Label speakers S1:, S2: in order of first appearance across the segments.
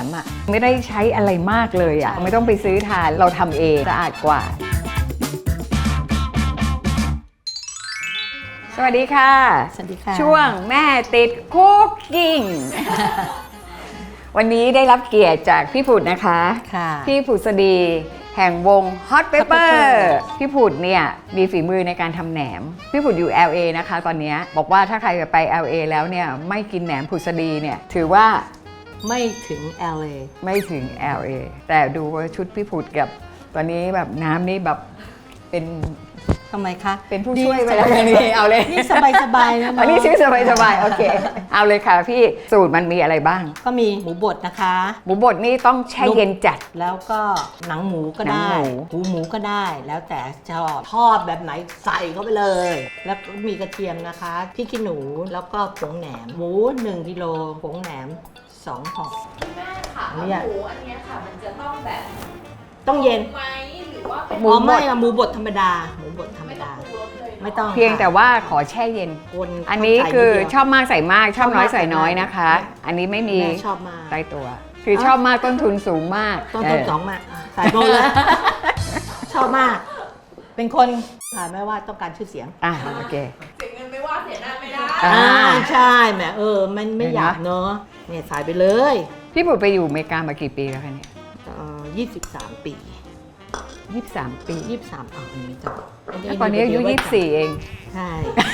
S1: อ่ะไม่ได้ใช้อะไรมากเลยอ่ะไม่ต้องไปซื้อทานเราทำเองสะอาดกว่าสวัสดีค่ะ
S2: สวัสดีค่ะ
S1: ช่วงแม่ติดคุกกิ้ง วันนี้ได้รับเกียรติจากพี่ผุดนะคะพี่ผุดสดีแห่งวง Hot Pepper พี่ผุดเนี่ยมีฝีมือในการทำแหนมพี่ผุดอยู่ LA นะคะตอนนี้บอกว่าถ้าใครไป LA แล้วเนี่ยไม่กินแหนมผุดสดีเนี่ยถือว่า
S2: ไม่ถึง LA
S1: ไม่ถึง LA แต่ดูว่าชุดพี่ผุดกับตอนนี้แบบน้ำนี่แบบเป็น
S2: ทำไมคะ
S1: เป็นผู้ช่วยไปแล้วนี่เอาเลย
S2: นี่สบายๆนะ
S1: อันนี้ชื่อสบายๆโอเคเอาเลยค่ะพี่สูตรมันมีอะไรบ้าง
S2: ก็มีหมูบดนะคะ
S1: หมูบดนี่ต้องแช่เย็นจัด
S2: แล้วก็หนังหมูก็ได้หูหมูก็ได้แล้วแต่ชอบทอดแบบไหนใส่เข้าไปเลยแล้วก็มีกระเทียมนะคะพริกขี้หนูแล้วก็ผงแหนมหมู1 กิโลผงแหนม2 ห่อ
S3: แม่ค่ะหมูอันนี้ค่ะมันจะต้องแบบ
S2: ต้องเย็น
S3: ไหมหรือว่าเป็น
S2: หมูไม่หมูบดธรรมดาหมูบดธรรมดาไม่ต้อง
S1: เพียงแต่ว่าขอแช่เย็นอันนี้คือชอบมากใส่มากชอบน้อยใส่น้อยนะคะอันนี้ไม่มี
S2: ชอบมาก
S1: ใต้ตัวคือชอบมากต้นทุนสูงมาก
S2: ต้นทุนสองมากใส่โบเลยชอบมากเป็นคนไม่ว่าต้องการชื่อเสียง
S1: โอเค
S3: เสียเงินไม่ว่าเสียหน้าไม่ได้
S2: ใช่แหมมันไม่อยากเนอะเนี่ยใส่ไปเลย
S1: พี่ปุ๋ยไปอยู่อเมริกามากี่ปีแล้วคะเนี่ย
S2: 23 ปี
S1: 23 ปี
S2: 23ไม่จำ
S1: ตอนนี้อายุ24เอง
S2: ใช่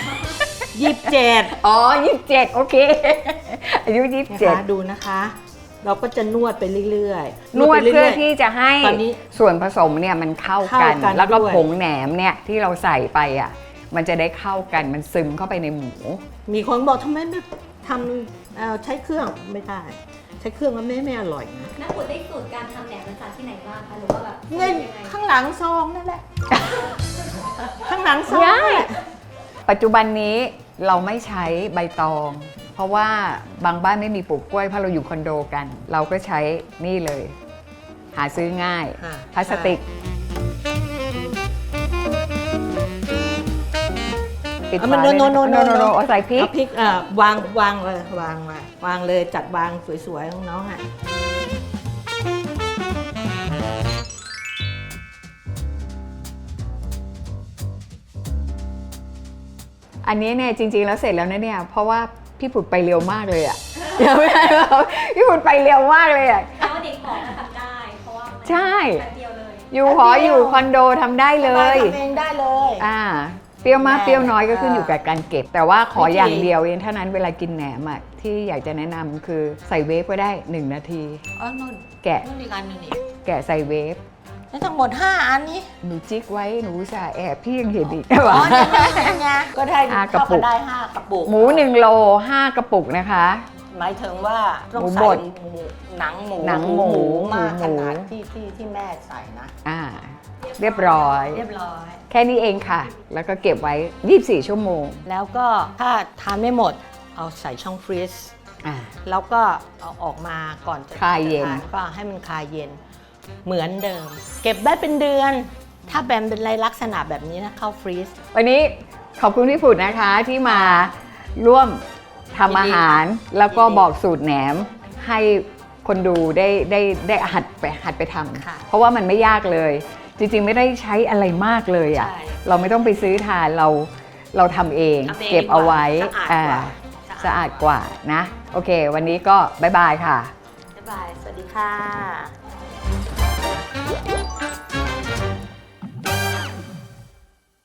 S2: 27
S1: 27โอเคอายุ27
S2: ดูนะคะเราก็จะนวดไปเรื่อย
S1: ๆนวดเพื่อที่จะให้ส่วนผสมเนี่ยมันเข้ากันแล้วก็ผงแหนมเนี่ยที่เราใส่ไปอ่ะมันจะได้เข้ากันมันซึมเข้าไปในหมู
S2: มีคนบอกทำไมไม่ทำใช้เครื่องไม่ได้ใช้เครื่องมันไม่อร่อยนะ
S3: นักบุญได้สูตรการทำแหนมมาจากที่ไหนบ้างคะหรือว่าแบบ
S2: เงินข้างหลังซองนั่นแหละข้างหลังซอง
S1: ปัจจุบันนี้เราไม่ใช้ใบตองเพราะว่าบางบ้านไม่มีปลูกกล้วยเพราะเราอยู่คอนโดกันเราก็ใช้นี่เลยหาซื้อง่ายพลาสติกปิดฝาเลยโนใส่พริก
S2: วางเลยวางเลยจัดวางสวยๆน้องๆอ่ะ
S1: อันนี้เนี่ยจริงๆแล้วเสร็จแล้วนะเนี่ยเพราะว่าพี่ผุดไปเร็วมากเลยอ่ะเดี๋ยวไม่ได้พี่ผุดไปเร็วมากเลยอ่ะ
S3: แล้วเด็กหอทำได้เพราะว่า
S1: ใช่
S3: แป๊บเดียวเลย
S1: อยู่หออยู่คอนโดทำได้เลย
S2: ทำเองได้เลย
S1: เปรี้ยวมากเปรี้ยวน้อยก็ขึ้นอยู่กับการเก็บแต่ว่าขออย่างเดียวเองเท่านั้นเวลากินแหนมอ่ะที่อยากจะแนะนำคือใส่เวฟก็ได้1 นาที
S2: นู่น
S1: แกะ
S2: นู่นอีกอันนึงนี่
S1: แกะใส่เวฟ
S2: ทั้งหมด5 อันนี้
S1: หนูจิ๊กไว้หนูจะแอบพี่ยังเห็นอีก
S2: ก็ได้กระปุกได้5 กระปุก
S1: หมู1 โล5 กระปุกนะคะ
S2: หมายถึงว่าต้องใส่หนังหมูมากขนาดที่แม่ใส่นะ
S1: เรียบร้อยแค่นี้เองค่ะแล้วก็เก็บไว้24 ชั่วโมง
S2: แล้วก็ถ้าทานไม่หมดเอาใส่ช่องฟรีซแล้วก็เอาออกมาก่อนจะ
S1: คลายเย็น
S2: ก็ให้มันคลายเย็นเหมือนเดิมเก็บได้เป็นเดือนถ้าแบมเป็นลักษณะแบบนี้นะเข้าฟรีซ
S1: วันนี้ขอบคุณพี่ผุดนะคะที่มาร่วมทำอาหารแล้วก็บอกสูตรแหนมให้คนดูได้หัดไปทำเพราะว่ามันไม่ยากเลยจริงๆไม่ได้ใช้อะไรมากเลยอ่ะเราไม่ต้องไปซื้อทานเราทำเองเก็บเอาไว้สะอาดกว่านะโอเควันนี้ก็บ๊ายบายค่ะ
S2: บ๊ายบายสวัสดีค่ะ